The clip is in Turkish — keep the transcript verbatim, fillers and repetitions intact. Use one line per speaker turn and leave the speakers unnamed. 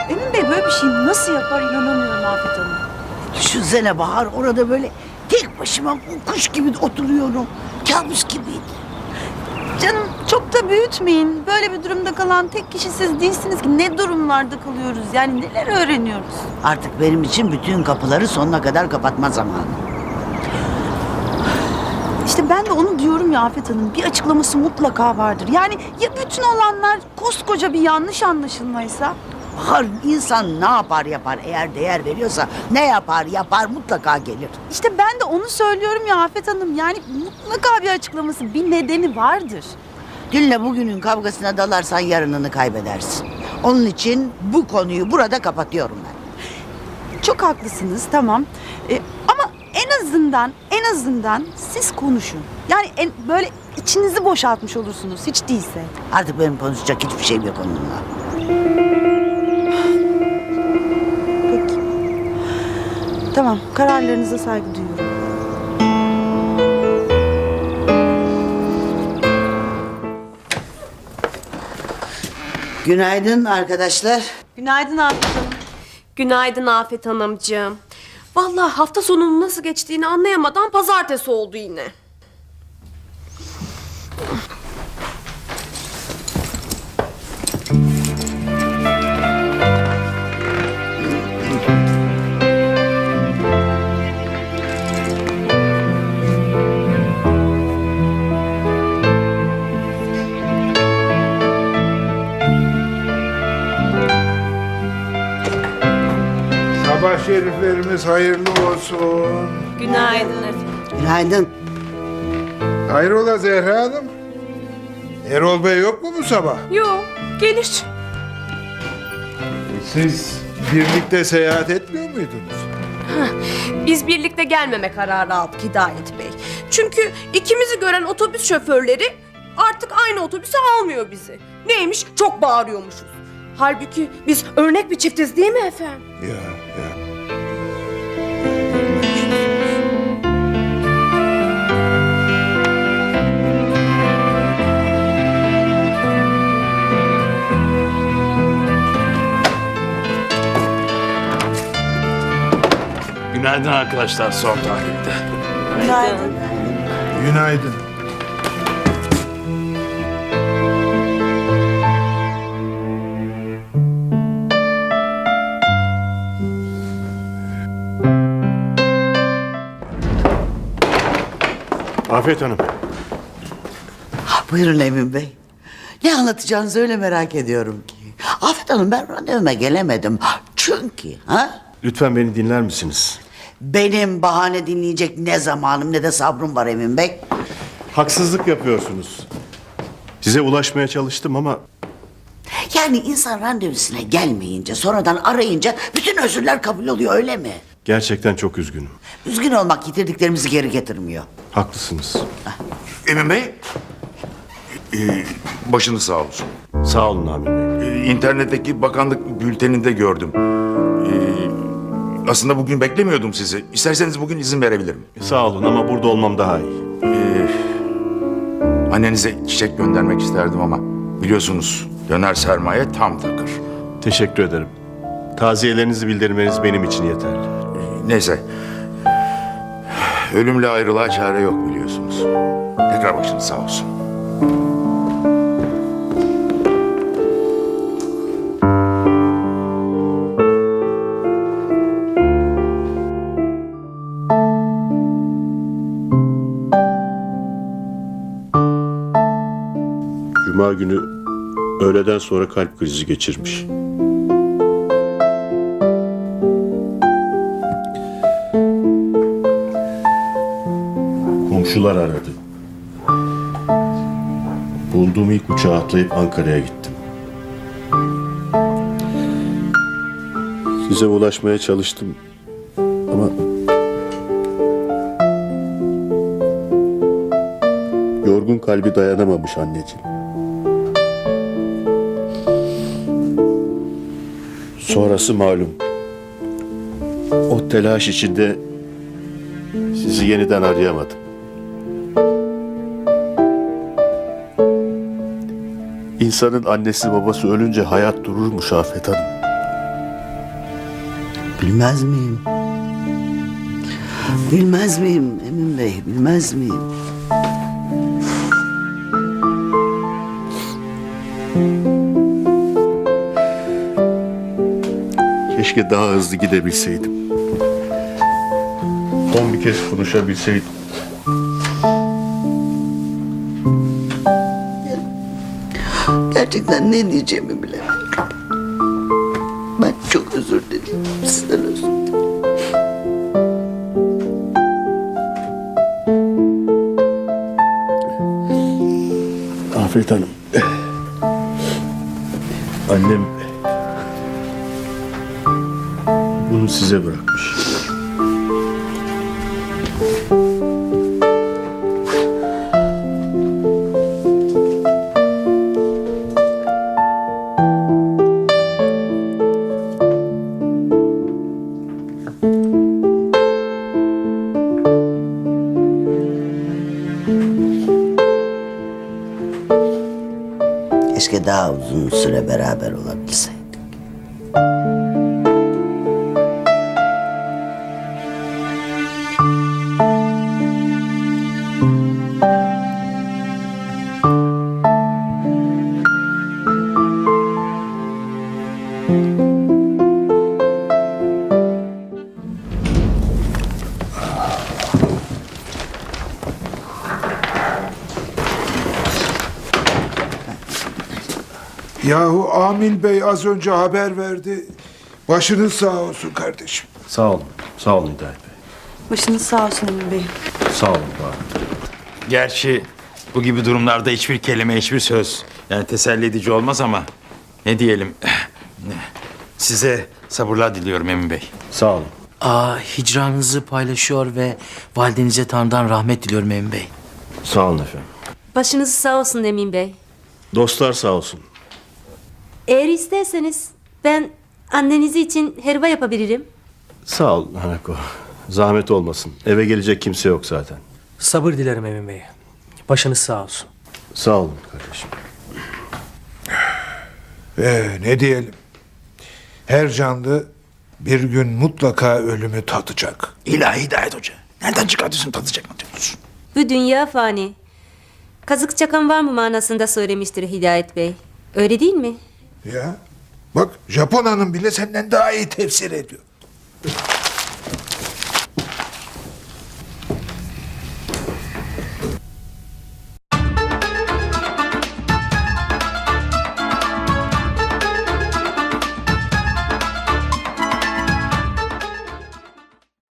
Emin Bey böyle bir şey nasıl yapar inanamıyorum Afet Hanım.
Düşünsene Bahar, orada böyle tek başıma kuş gibi oturuyorum. Kabus gibiydi.
Canım çok da büyütmeyin. Böyle bir durumda kalan tek kişi siz değilsiniz ki. Ne durumlarda kalıyoruz yani neler öğreniyoruz.
Artık benim için bütün kapıları sonuna kadar kapatma zamanı.
İşte ben de onu diyorum ya Afet Hanım. Bir açıklaması mutlaka vardır. Yani ya bütün olanlar koskoca bir yanlış anlaşılmaysa?
Bahar, insan ne yapar yapar, eğer değer veriyorsa ne yapar yapar mutlaka gelir.
İşte ben de onu söylüyorum ya Afet Hanım. Yani mutlaka bir açıklaması, bir nedeni vardır.
Dünle bugünün kavgasına dalarsan yarınını kaybedersin. Onun için bu konuyu burada kapatıyorum ben.
Çok haklısınız, tamam. Ee, ama en azından, en azından siz konuşun. Yani en, böyle içinizi boşaltmış olursunuz hiç değilse.
Artık benim konuşacak hiçbir şeyim yok onunla.
Peki. Tamam, kararlarınıza saygı duyuyorum.
Günaydın arkadaşlar.
Günaydın Afet Hanım.
Günaydın Afet Hanımcığım. Vallahi hafta sonunun nasıl geçtiğini anlayamadan pazartesi oldu yine.
Sabah şeriflerimiz hayırlı olsun.
Günaydın efendim.
Günaydın.
Hayrola Zehra Hanım? Erol Bey yok mu bu sabah?
Yok, gelir.
Siz birlikte seyahat etmiyor muydunuz?
Biz birlikte gelmeme kararı aldık Hidayet Bey. Çünkü ikimizi gören otobüs şoförleri artık aynı otobüse almıyor bizi. Neymiş? Çok bağırıyormuşuz. Halbuki biz örnek bir çiftiz değil mi efendim?
Ya ya.
Günaydın arkadaşlar son tahlilde.
Günaydın.
Günaydın.
Afet Hanım.
Buyurun Emin Bey. Ne anlatacağınızı öyle merak ediyorum ki. Afet Hanım, ben randevuma gelemedim. Çünkü ha?
Lütfen beni dinler misiniz?
Benim bahane dinleyecek ne zamanım ne de sabrım var Emin Bey.
Haksızlık yapıyorsunuz. Size ulaşmaya çalıştım ama
Yani insan randevusuna gelmeyince, sonradan arayınca bütün özürler kabul oluyor, öyle mi?
gerçekten çok üzgünüm.
Üzgün olmak yitirdiklerimizi geri getirmiyor.
Haklısınız.
Emin Bey, e, başınız sağ olsun.
Sağ olun Amin Bey.
E, İnternetteki bakanlık bülteninde gördüm. E, aslında bugün beklemiyordum sizi. İsterseniz bugün izin verebilirim.
Sağ olun ama burada olmam daha iyi.
E, annenize çiçek göndermek isterdim ama biliyorsunuz döner sermaye tam takır.
Teşekkür ederim. Taziyelerinizi bildirmeniz benim için yeterli.
E, neyse, ölümle ayrılığa çare yok biliyorsunuz. Tekrar başınız sağ olsun.
Cuma günü öğleden sonra kalp krizi geçirmiş. Komşular aradı. Bulduğum ilk uçağa atlayıp Ankara'ya gittim. Size ulaşmaya çalıştım ama yorgun kalbi dayanamamış anneciğim. Sonrası malum. O telaş içinde sizi yeniden arayamadım. İnsanın annesi babası ölünce hayat dururmuş Afet Hanım.
Bilmez miyim? Bilmez miyim Emin Bey, bilmez miyim?
Keşke daha hızlı gidebilseydim. Son bir kez konuşabilseydim.
Gerçekten ne diyeceğimi bilemiyorum. Ben çok özür dilerim. Sizden özür dilerim.
Afet Hanım. Annem bunu size bırakmış.
Keşke daha uzun süre beraber olabilseydik.
Yahu Amil Bey az önce haber verdi. Başınız sağ olsun kardeşim.
Sağ olun. Sağ olun Hidayet Bey.
Başınız sağ olsun Emin Bey.
Sağ olun Bahar.
Gerçi bu gibi durumlarda hiçbir kelime, hiçbir söz yani teselli edici olmaz ama ne diyelim. Size sabırlar diliyorum Emin Bey.
Sağ olun.
Aa, hicranınızı paylaşıyor ve validenize Tanrı'dan rahmet diliyorum Emin Bey.
Sağ olun efendim.
Başınız sağ olsun Emin Bey.
Dostlar sağ olsun.
Eğer isterseniz ben annenizi için helva yapabilirim.
Sağ ol Hanako. Zahmet olmasın. Eve gelecek kimse yok zaten.
Sabır dilerim Emin Bey. Başınız sağ olsun.
Sağ olun kardeşim.
Ee, ne diyelim? Her canlı bir gün mutlaka ölümü tadacak.
İlahi Hidayet Hoca. Nereden çıkartıyorsun tadacak mı diyorsun?
Bu dünya fani. Kazık çakan var mı manasında söylemiştir Hidayet Bey. Öyle değil mi?
Ya bak Japon hanım bile senden daha iyi tefsir ediyor.